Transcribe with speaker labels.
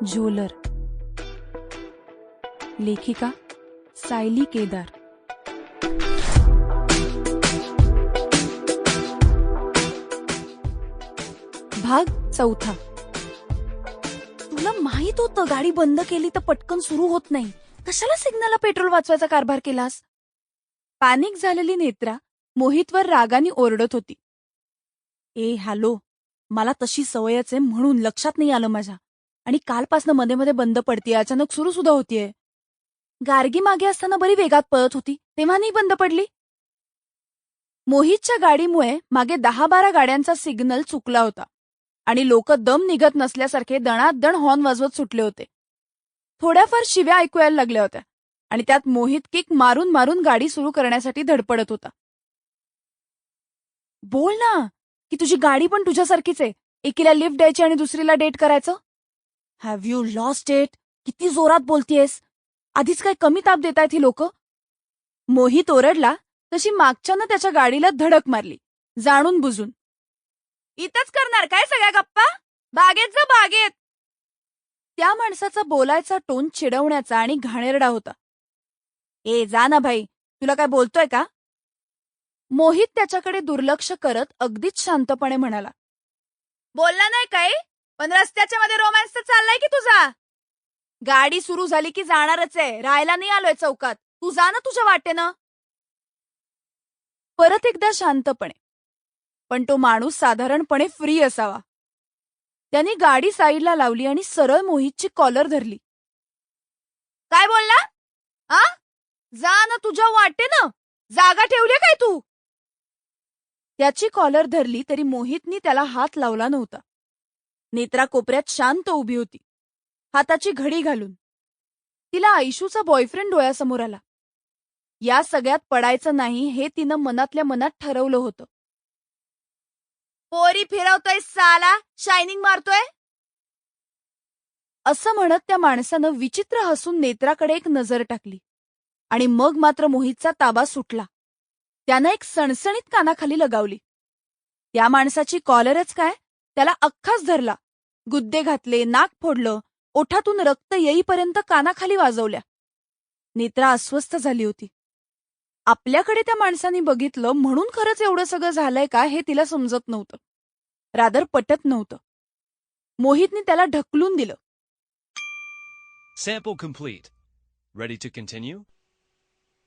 Speaker 1: झोलर. लेखिका सायली केदार. भाग 4. तुला माहित होतं गाडी बंद केली तर पटकन सुरू होत नाही. कशाला सिग्नलला पेट्रोल वाचवायचा कारभार केलास? पॅनिक झालेली नेत्रा मोहितवर रागाने ओरडत होती. हॅलो, मला तशी सवयच आहे म्हणून लक्षात नाही आलं माझ्या. आणि कालपासनं मध्ये मध्ये बंद पडतीये, अचानक सुरू सुद्धा होतीये. गार्गी मागे असताना बरी वेगात पळत होती, तेव्हा नाही बंद पडली. मोहितच्या गाडीमुळे मागे 10-12 गाड्यांचा सिग्नल चुकला होता आणि लोक दम निघत नसल्यासारखे दणादण हॉर्न वाजवत सुटले होते. थोड्याफार शिव्या ऐकू यायला लागल्या होत्या आणि त्यात मोहित किक मारून मारून गाडी सुरू करण्यासाठी धडपडत होता. बोल ना, की तुझी गाडी पण तुझ्यासारखीच आहे. एकीला लिफ्ट द्यायची आणि दुसरीला डेट करायचं. Have you lost it? किती जोरात बोलतीयस? आधीच काय कमी ताप देतायत ही लोक? मोहित ओरडला तशी मागच्यानं त्याच्या गाडीला धडक मारली, जाणून बुजून. इथंच करणार काय सगळ्या गप्पा? बागेत जा बागेत. त्या माणसाचा बोलायचा टोन चिडवण्याचा आणि घाणेरडा होता. जा ना भाई, तुला काय बोलतोय का? मोहित त्याच्याकडे दुर्लक्ष करत अगदीच शांतपणे म्हणाला. बोलला नाही काय, पण रस्त्याच्या मध्ये रोमॅन्स तर चाललाय की तुझा. गाडी सुरू झाली की जाणारच आहे, राहायला नाही आलोय चौकात. तू जा ना तुझ्या वाटेनं. परत एकदा शांतपणे, पण तो माणूस साधारणपणे फ्री असावा. त्याने गाडी साईडला लावली आणि सरळ मोहितची कॉलर धरली. काय बोलला? जा ना तुझ्या वाटेनं, जागा ठेवली काय तू? त्याची कॉलर धरली तरी मोहितनी त्याला हात लावला नव्हता. नेत्रा कोपऱ्यात शांत उभी होती, हाताची घडी घालून. तिला आयशूचा बॉयफ्रेंड डोळ्यासमोर आला. या सगळ्यात पडायचं नाही हे तिनं मनातल्या मनात ठरवलं होतं. पोरी फिरवतोय साला, शायनिंग मारतोय असं म्हणत त्या माणसानं विचित्र हसून नेत्राकडे एक नजर टाकली आणि मग मात्र मोहितचा ताबा सुटला. त्यानं एक सणसणीत कानाखाली लगावली. त्या माणसाची कॉलरच काय, त्याला अख्खाच धरला, गुद्दे घातले, नाक फोडलं, ओठातून रक्त येईपर्यंत कानाखाली वाजवल्या. नेत्रा अस्वस्थ झाली होती. आपल्याकडे त्या माणसाने बघितलं म्हणून खरंच एवढं सगळं झालंय का हे तिला समजत नव्हतं. रादर पटत नव्हतं. मोहितने त्याला ढकलून दिलं.
Speaker 2: Sample complete. Ready to continue?